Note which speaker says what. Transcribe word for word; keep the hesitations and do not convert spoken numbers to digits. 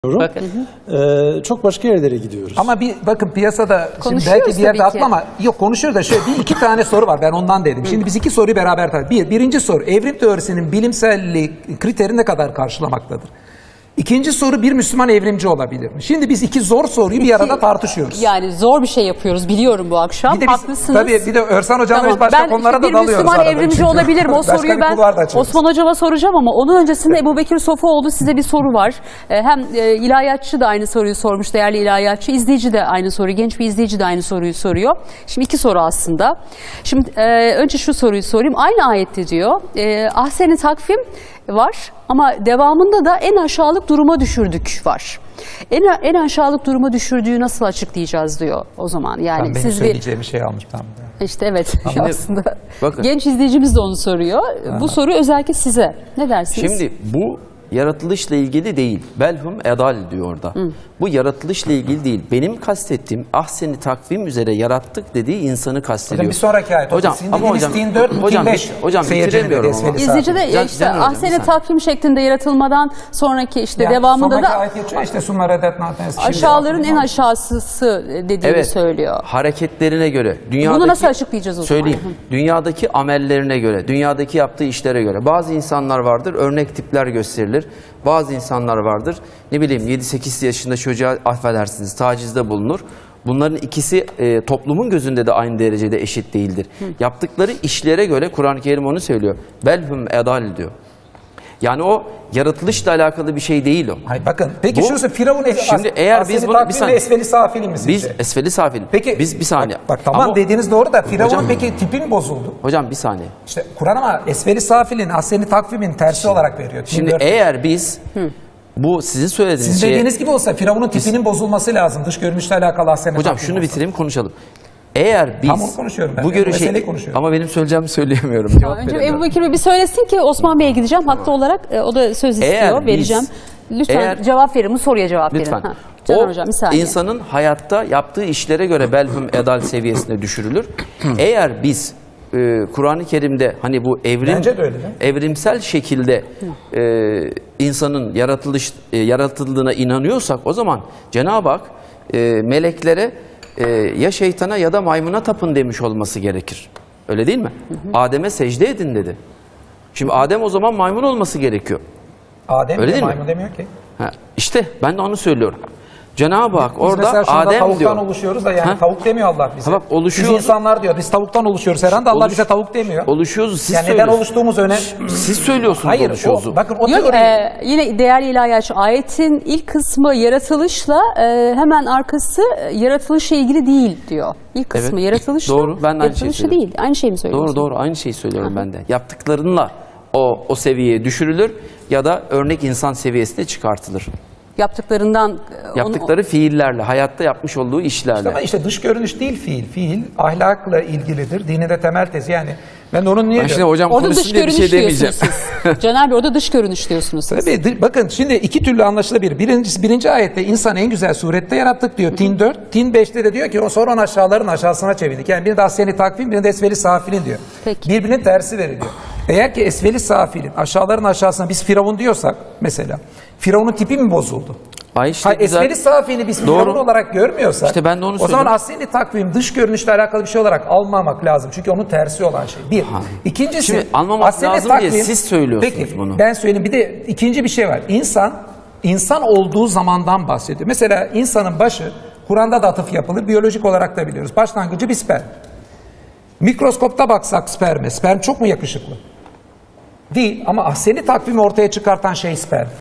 Speaker 1: Bakın.
Speaker 2: Ee, çok başka yerlere gidiyoruz.
Speaker 1: Ama bir bakın piyasada şimdi belki bir yerde atma ama yok konuşuyor da şöyle bir iki tane soru var, ben ondan dedim. Şimdi biz iki soruyu beraber tartışalım. Bir, birinci soru, evrim teorisinin bilimselliği kriteri ne kadar karşılamaktadır? İkinci soru, bir Müslüman evrimci olabilir mi? Şimdi biz iki zor soruyu bir arada tartışıyoruz.
Speaker 3: Yani zor bir şey yapıyoruz biliyorum bu akşam.
Speaker 1: Bir de biz,
Speaker 3: haklısınız.
Speaker 1: tabii bir de Örsan Hocam'la
Speaker 3: Tamam.
Speaker 1: biz başka
Speaker 3: ben
Speaker 1: konulara
Speaker 3: işte
Speaker 1: da dalıyoruz.
Speaker 3: Bir Müslüman
Speaker 1: arada.
Speaker 3: evrimci
Speaker 1: Çünkü
Speaker 3: olabilir mi? O
Speaker 1: başka
Speaker 3: soruyu
Speaker 1: bir
Speaker 3: ben
Speaker 1: kulvar da açıyoruz.
Speaker 3: Osman Hocam'a soracağım ama onun öncesinde Ebubekir Sofuoğlu, size bir soru var. Ee, hem e, ilahiyatçı da aynı soruyu sormuş, değerli ilahiyatçı. İzleyici de aynı soruyu, genç bir izleyici de aynı soruyu soruyor. Şimdi iki soru aslında. Şimdi e, önce şu soruyu sorayım. Aynı ayette diyor, e, ahsen-i takvim var ama devamında da en aşağılık duruma düşürdük var. En, en aşağılık duruma düşürdüğü nasıl açıklayacağız diyor o zaman. Yani
Speaker 1: Ben benim
Speaker 3: siz
Speaker 1: söyleyeceğim bir şey almış tamam.
Speaker 3: İşte evet
Speaker 4: Şimdi,
Speaker 3: aslında
Speaker 4: bakın.
Speaker 3: genç izleyicimiz de onu soruyor. Aha. Bu soru özellikle size. Ne dersiniz?
Speaker 4: Şimdi bu yaratılışla ilgili değil. Belhum edal diyor orada. Hı. Bu yaratılışla ilgili değil. Benim kastettiğim ahseni takvim üzere yarattık dediği insanı kastediyor.
Speaker 1: Hocam bir sonraki ayet.
Speaker 4: Hocam ama hocam
Speaker 1: Tin dört,
Speaker 4: hocam,
Speaker 1: Tin beş.
Speaker 4: hocam bitiremiyorum ama.
Speaker 3: İzleyici de ya işte ahseni takvim şeklinde yaratılmadan sonraki işte yani devamında da
Speaker 1: ayet işte
Speaker 3: aşağıların en aşağısı dediğini
Speaker 4: evet,
Speaker 3: söylüyor.
Speaker 4: Hareketlerine göre. Dünyadaki,
Speaker 3: bunu nasıl açıklayacağız o zaman?
Speaker 4: Söyleyeyim. Dünyadaki amellerine göre, dünyadaki yaptığı işlere göre. Bazı insanlar vardır, örnek tipler gösterilir. Bazı insanlar vardır, ne bileyim yedi sekiz yaşında çocuğa affedersiniz tacizde bulunur. Bunların ikisi e, toplumun gözünde de aynı derecede eşit değildir. Hı. Yaptıkları işlere göre Kur'an-ı Kerim onu söylüyor. Belhum edal diyor. Yani o yaratılışla alakalı bir şey değil o.
Speaker 1: Hayır bakın. Peki şurası Firavun es
Speaker 4: şimdi eğer biz bunu bir saniye
Speaker 1: esfeli safili mi
Speaker 4: Biz esfeli safili.
Speaker 1: Peki
Speaker 4: biz bir saniye.
Speaker 1: Bak, bak tamam ama, dediğiniz doğru da Firavun'un peki tipi mi bozuldu?
Speaker 4: Hocam bir saniye.
Speaker 1: İşte Kur'an ama esfeli safilin ahseni takvimin tersi
Speaker 4: şimdi,
Speaker 1: olarak veriyor.
Speaker 4: Şimdi eğer biz Hı. bu sizin söylediğiniz
Speaker 1: Sizin
Speaker 4: şeye,
Speaker 1: dediğiniz gibi olsa Firavun'un tipinin biz, bozulması lazım. Dış görünüşle alakalı ahseni
Speaker 4: hocam şunu olsa. Bitireyim konuşalım. Eğer biz
Speaker 1: Tam onu konuşuyorum ben.
Speaker 4: bu görüşe ama benim söyleyeceğimi söyleyemiyorum.
Speaker 3: Ya önce Ebubekir Bey bir söylesin ki Osman Bey'e gideceğim. Haklı olarak o da söz istiyor. Eğer vereceğim. Biz, Lütfen eğer, cevap verin. Bu soruya cevap
Speaker 4: lütfen.
Speaker 3: verin. Ha,
Speaker 4: o
Speaker 3: hocam, bir saniye.
Speaker 4: insanın hayatta yaptığı işlere göre belhum edal seviyesine düşürülür. Eğer biz e, Kur'an-ı Kerim'de hani bu evrim evrimsel şekilde e, insanın yaratılış e, yaratıldığına inanıyorsak o zaman Cenab-ı Hak e, meleklere Ee, ya şeytana ya da maymuna tapın demiş olması gerekir. Öyle değil mi? Adem'e secde edin dedi. Şimdi Adem o zaman maymun olması gerekiyor.
Speaker 1: Adem
Speaker 4: öyle değil
Speaker 1: maymun
Speaker 4: mi?
Speaker 1: demiyor ki.
Speaker 4: Ha, işte ben de onu söylüyorum. Cenab-ı Hak
Speaker 1: biz
Speaker 4: orada Adem
Speaker 1: tavuktan
Speaker 4: diyor.
Speaker 1: Tavuktan oluşuyoruz da yani ha? Tavuk demiyor Allah bize.
Speaker 4: Ha bak, oluşuyor.
Speaker 1: Biz insanlar diyor. Biz tavuktan oluşuyoruz herhalde. Allah
Speaker 4: Oluş,
Speaker 1: bize tavuk demiyor.
Speaker 4: Oluşuyoruz. Siz
Speaker 1: yani neden oluştuğumuz önemli.
Speaker 4: Siz söylüyorsunuz
Speaker 1: Hayır,
Speaker 4: oluşuyoruz.
Speaker 1: O, bakın o
Speaker 3: Yok, e, yine değerli ilahiyatçı ayetin ilk kısmı yaratılışla e, hemen arkası yaratılışla ilgili değil diyor. İlk kısmı evet, yaratılışla
Speaker 4: doğru, ben de aynı şeyi
Speaker 3: yaratılışla değil. Aynı şeyi mi söylüyorsun?
Speaker 4: Doğru doğru aynı şeyi söylüyorum ben de. Yaptıklarınla o, o seviyeye düşürülür ya da örnek insan seviyesine çıkartılır.
Speaker 3: Yaptıklarından
Speaker 4: yaptıkları onu, fiillerle, hayatta yapmış olduğu işlerle.
Speaker 1: İşte, ama işte dış görünüş değil fiil. Fiil ahlakla ilgilidir. Dinin de temel tezi yani. Ben de onun niye
Speaker 4: diyorum? Hocam
Speaker 3: orada dış
Speaker 4: diye bir şey demeyeceğim.
Speaker 3: Caner Bey orada dış görünüş diyorsunuz siz.
Speaker 1: Tabii bakın şimdi iki türlü anlaşılabilir. Birincisi birinci ayette insan en güzel surette yarattık diyor. Tin dört. Tin beşte de diyor ki o sonra onu aşağıların aşağısına çevirdik. Yani biri de ahseni takvim, biri de esveli safilin diyor. Peki. Birbirinin tersi veriliyor. Eğer ki esveli safilin aşağıların aşağısına biz Firavun diyorsak mesela Firavun'un tipi mi bozuldu?
Speaker 4: Ay işte
Speaker 1: Hayır, esveli safini biz Firavun olarak görmüyorsak
Speaker 4: işte ben de onu
Speaker 1: o zaman ahseni takvim dış görünüşle alakalı bir şey olarak almamak lazım. Çünkü onun tersi olan şey. Bir. Ha. İkincisi
Speaker 4: şimdi almamak lazım takvim, diye siz söylüyorsunuz
Speaker 1: peki,
Speaker 4: bunu.
Speaker 1: Ben söyleyeyim. Bir de ikinci bir şey var. İnsan insan olduğu zamandan bahsediyor. Mesela insanın başı Kur'an'da da atıf yapılır. Biyolojik olarak da biliyoruz. Başlangıcı bir sperm. Mikroskopta baksak sperme. Sperm çok mu yakışıklı? Değil ama ahseni takvimi ortaya çıkartan şey sperm.